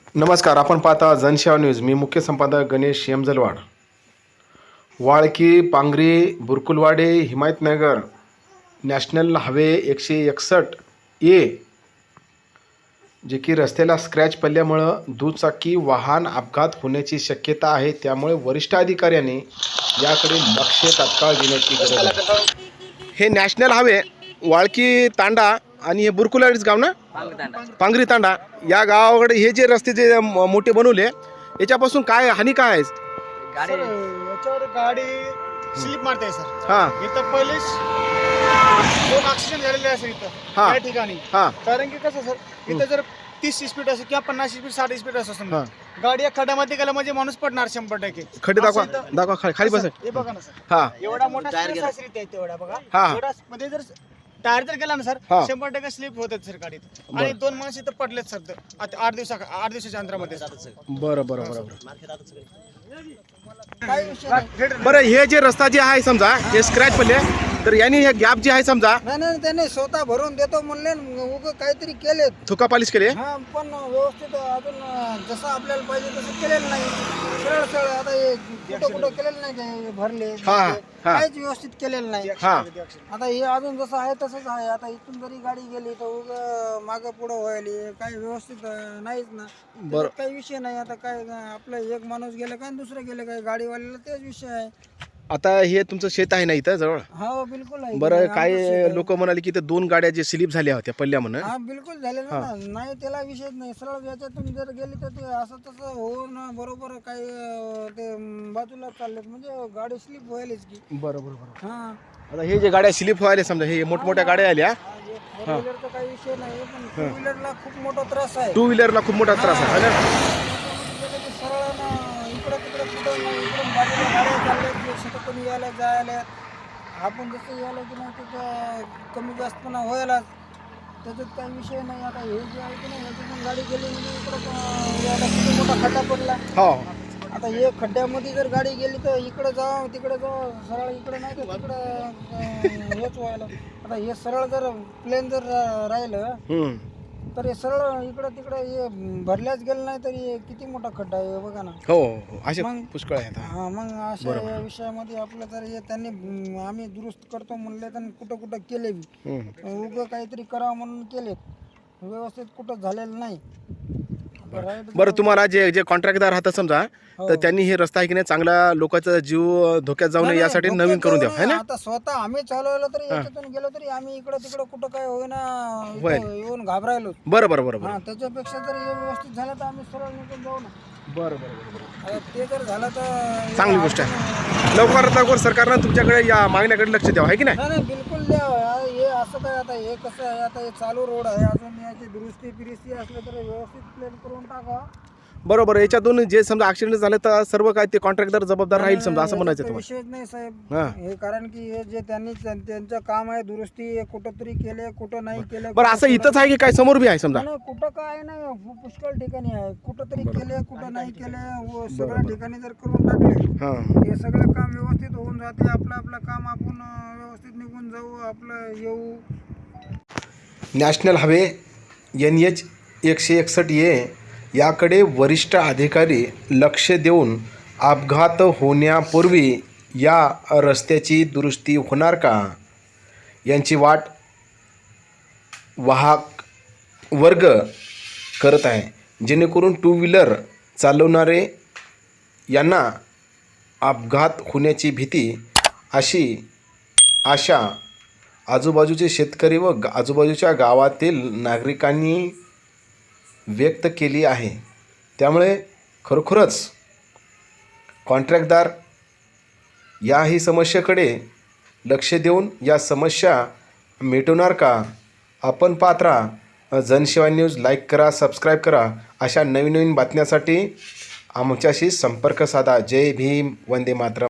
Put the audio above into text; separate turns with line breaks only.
नमस्कार, आपण पाहता जनसेवा न्यूज. मी मुख्य संपादक Ganesh Yamajalwad. Walki, Pangri, Burkulwadi, Himayatnagar national highway 161A जे की रस्त्याला स्क्रॅच पडल्यामुळं दुचाकी वाहन अपघात होण्याची शक्यता आहे. त्यामुळे वरिष्ठ अधिकाऱ्यांनी याकडे लक्ष तात्काळ देण्याची गरज आहे. हे नॅशनल हायवे वाळकी तांडा आणि हे बुरकुलवाडीच गाव ना, पांगरी तांडा या गावाकडे हे जे रस्ते जे मोठे बनवले याच्यापासून काय हानी काय आहे?
सर याच्यावर गाडी स्लिप मारते सर.
हा
इथं पहिलेच 2 ऍक्सिडेंट झालेले आहे सर इथं
हा.
त्या ठिकाणी.
हा
कारण की कसं सर इथं जर 30 स्पीड असेल किंवा 50 स्पीड 60 स्पीड असं
हा.
समजा गाडी या खड्ड्यामध्ये गेला म्हणजे माणूस पडणार 100%.
खड्डे दाखवा
असं इथं-
दाखवा खाली बस.
हे बघा ना सर,
हा
एवढा मोठा स्पेस आहे सर इथे एवढा बघा.
हा.
एवढा मध्ये जर टायर जर गेला ना सर
हा.
100% स्लिप होतात सर गाडीत. आणि 2 माणस इथं पडलेत सर 8 दिवसाच्या अंतरामध्ये.
बरं बरं बरं
काय विषय नाही.
बरं हे जे रस्ता जे आहे समजा हे स्क्रॅच पडले तर यांनी हे गॅप जे आहे समजा
नाही त्याने स्वतः भरून देतो म्हणले उगं काहीतरी केले.
थुका पालिश केले.
हा पण व्यवस्थित अजून जसं आपल्याला पाहिजे तसं केलेलं नाही. सरळ सरळ आता हे कुठं केलेलं नाही ते भरले
हा, हा.
काहीच व्यवस्थित केलेलं नाही.
हा
आता हे अजून जसं आहे तसंच आहे. आता इथून जरी गाडी गेली तर उगं मागं पुढं व्हायली काही व्यवस्थित नाहीच ना.
बरं.
त्याच्यात काही विषय नाही. आता काय आपलं एक माणूस गेलं काय दुसरं गेलं काय गाडीवाल्याला तेच विषय आहे.
आता हे तुमचं शेत आहे ना इथं जवळ.
हो बिलकुल आहे.
बरं
आमचं शेत
काय
आहे.
लोक म्हणाले की इथं 2 गाड्या जे स्लिप झाल्या होत्या पडल्या म्हणून.
हा बिलकुल झालेलं ना. नाही त्याला विषयच नाही. सरळ याच्यातून जर गेली तर ते असं तसं होऊन बरोबर काही ते बाजूला चाललेत म्हणजे गाडी स्लिप व्हायलाच की.
बरं बरं बरं.
हा
आता हे जे गाड्या स्लिप व्हायला समजा हे मोठमोठ्या गाड्या आल्या.
फोर व्हीलरचा काही विषय नाही पण टू व्हीलरला खूप मोठा त्रास आहे.
2 व्हीलरला खूप मोठा त्रास आहे ना.
सरळ ना इकडं तिकडं कुठं नाही इकडून बाजूला गाड्या चालल्यात सटकून यायला जायला. आपण जसं यायला की नाही त्याचं कमी जास्तपणा व्हायलाच. त्याच्यात काही विषय नाही. आता हे जे आहे की नाही ह्याच्यातून गाडी गेली म्हणजे इकडं यायला किती मोठा खड्डा पडला.
हो
आता हे खड्ड्यामध्ये जर गाडी गेली तर इकडं जावं तिकडे जावं. सरळ इकडे नाही तर तिकडं हेच व्हायला. आता हे सरळ जर प्लेन जर राहिलं तर हे सरळ इकडं तिकडं हे भरल्याच गेलं नाही तरी किती मोठा खड्डा आहे बघा ना.
हो असे
मग-
पुष्कळ आहेत.
हा मग अशा या विषयामध्ये आपलं जर हे त्यांनी आम्ही दुरुस्त करतो म्हणले तर कुठं कुठं केले बी उगं काहीतरी करावं म्हणून केले व्यवस्थित कुठं झालेलं नाही.
बरं तुम्हाला जे जे कॉन्ट्रॅक्टदार राहतात समजा तर त्यांनी हे रस्ता आहे की नाही चांगला लोकांचा जीव धोक्यात जाऊ नये यासाठी
नाही,
नवीन करून द्यावं है ना.
आता स्वतः आम्ही चालवलं तरी याच्यातून गेलो तरी आम्ही इकडं तिकडं कुठं काय होईना
होईल.
इथं येऊन घाबरायलो.
बरं बरं बरं बरं
हा त्याच्यापेक्षा जर हे व्यवस्थित झालं तर आम्ही सरळ निघून जाऊ ना.
बरं बरं
आता ते जर झालं तर
चांगली गोष्ट आहे. लवकरात लवकर सरकारनं तुमच्याकडे या मागण्याकडे लक्ष द्यावं आहे की नाही.
नाही बिलकुल द्या. हे असं काय आता हे कसं आहे आता हे चालू रोड आहे अजून याची दुरुस्ती फिरिस्ती असलं तर व्यवस्थित प्लेन करून टाका.
बरोबर याच्यातून जे समजा ऍक्सिडेंट झाले तर सर्व काय ते कॉन्ट्रॅक्टर जबाबदार राहील समजा असं म्हणायचं
काही
तुम्हाला.
विषयच नाही साहेब.
हा.
हे कारण की हे जे त्यांचं काम आहे दुरुस्ती हे कुठं तरी केले कुठं नाही केलं.
बरं असं इथंच आहे की काय समोर बी आहे समजा.
नाही, कुठं काय नाही पुष्कळ ठिकाणी आहे. कुठं तरी केले कुठं नाही केले सगळ्या ठिकाणी जर करून टाकले
हां
हे सगळं काम व्यवस्थित होऊन जाते. आपलं काम आपण व्यवस्थित निघून जाऊ आपलं येऊ.
नॅशनल हायवे NH 161A याकडे वरिष्ठ अधिकारी लक्ष देऊन अपघात होण्यापूर्वी या रस्त्याची दुरुस्ती होणार का यांची वाट वाहक वर्ग करत आहे. जेणेकरून 2 व्हीलर चालवणारे यांना अपघात होण्याची भीती अशी आशा आजूबाजूचे शेतकरी व आजूबाजूच्या गावातील नागरिकांनी व्यक्त केली आहे. त्यामुळे खरोखरच कॉन्ट्रॅक्टदार याही समस्येकडे लक्ष देऊन या समस्या मिटवणार का. आपण पाहत राहा जनसेवा न्यूज. लाईक करा, सबस्क्राईब करा. अशा नवीन नवीन बातम्यासाठी आमच्याशी संपर्क साधा. जय भीम, वंदे मातरम.